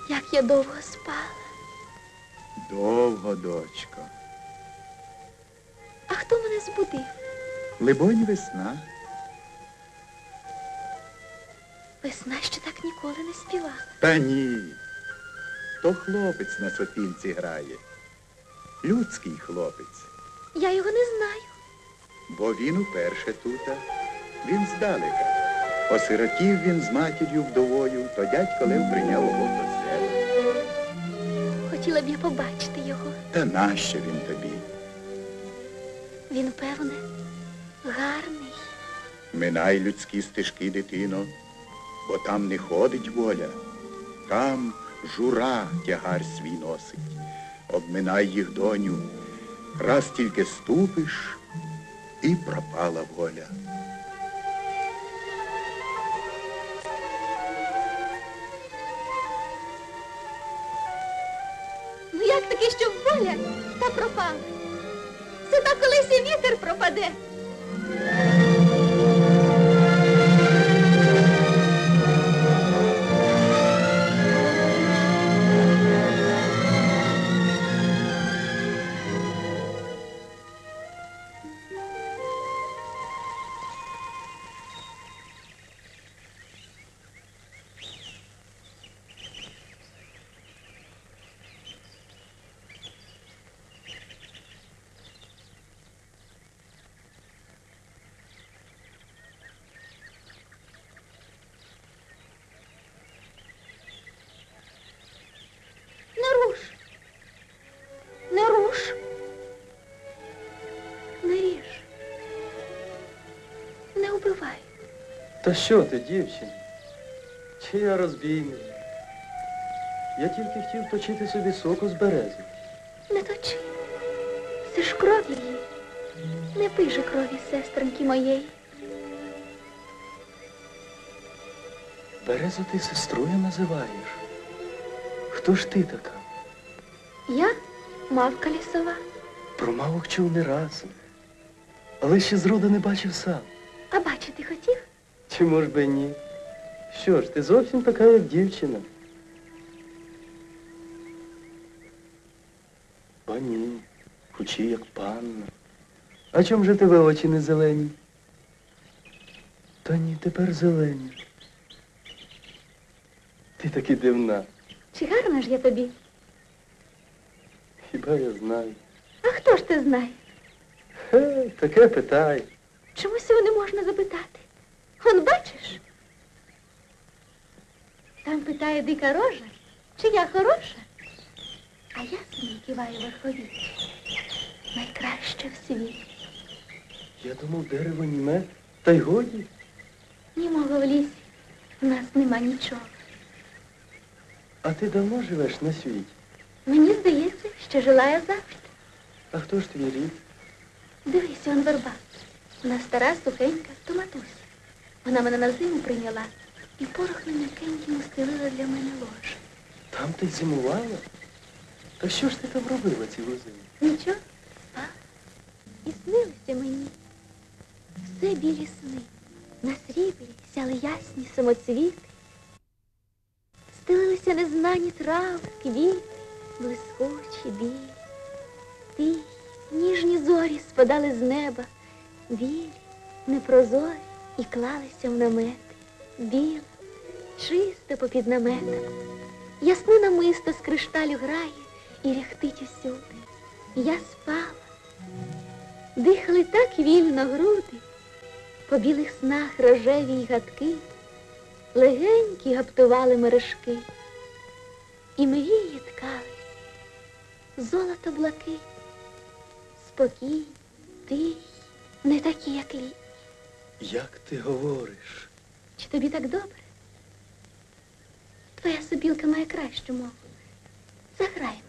Як я довго спала. Довго, дочко. А хто мене збудив? Либонь, весна. Весна ще так ніколи не співала. Та ні. То хлопець на сопілці грає. Людський хлопець. Я його не знаю. Бо він уперше тута. Він здалека. Осиротів він з матір'ю вдовою, то дядько Лев прийняв його до себе. Хотіла б я побачити його. Та нащо він тобі? Він, певне, гарний. Минай людські стежки, дитино, бо там не ходить воля. Там жура тягар свій носить. Обминай їх, доню. Раз тільки ступиш, і пропала воля. Ну як таки, що воля та пропала? Це так колись і вітер пропаде. Не руш. Не руш. Не ріж. Не убивай. Та що ти, дівчина? Чи я розбійник? Я тільки хотів точити собі соку з берези. Не точи. Це ж кров її. Не пий же крові, сестринки моєї. Березу ти сестрою називаєш? Хто ж ти така? Я мавка лісова. Про мавок чув не раз, але ще зроду не бачив сам. А бачити хотів? Чи може би ні? Що ж, ти зовсім така, як дівчина. О, ні, хучі, як панна. А чом же тебе очі не зелені? Та ні, тепер зелені. Ти таки дивна. Чи гарна ж я тобі? Хіба я знаю? А хто ж ти знає? Таке питай. Чомусь цього не можна запитати. Он бачиш? Там питає дика рожа, чи я хороша? А я собі киваю верхові. Найкраще в світі. Я думав, дерево німе, та й годі. Німого в лісі в нас нема нічого. А ти давно живеш на світі? Мені здається, що жила я завжди. А хто ж твій рід? Дивись, он верба. Вона стара, сухенька, то матуся. Вона мене на зиму прийняла і порохом м'якеньким устелила для мене ложе. Там ти зимувала? Та що ж ти там робила цілу зиму? Нічого, спала. І снилися мені все білі сни. На сріблі сяли ясні самоцвіти. Стелилися незнані трави, квіти, блискучі, білі. Тихі, ніжні зорі спадали з неба, білі, непрозорі, і клалися в намети. Біло, чисто попід наметом. Ясне намисто з кришталю грає і ряхтить усюди. Я спала. Дихали так вільно груди, по білих снах рожеві й гадки, легенькі гаптували мережки, і мрії ткали золото блакить, спокій, тихий, не такі, як літні. Як ти говориш? Чи тобі так добре? Твоя сопілка має кращу мову. Заграй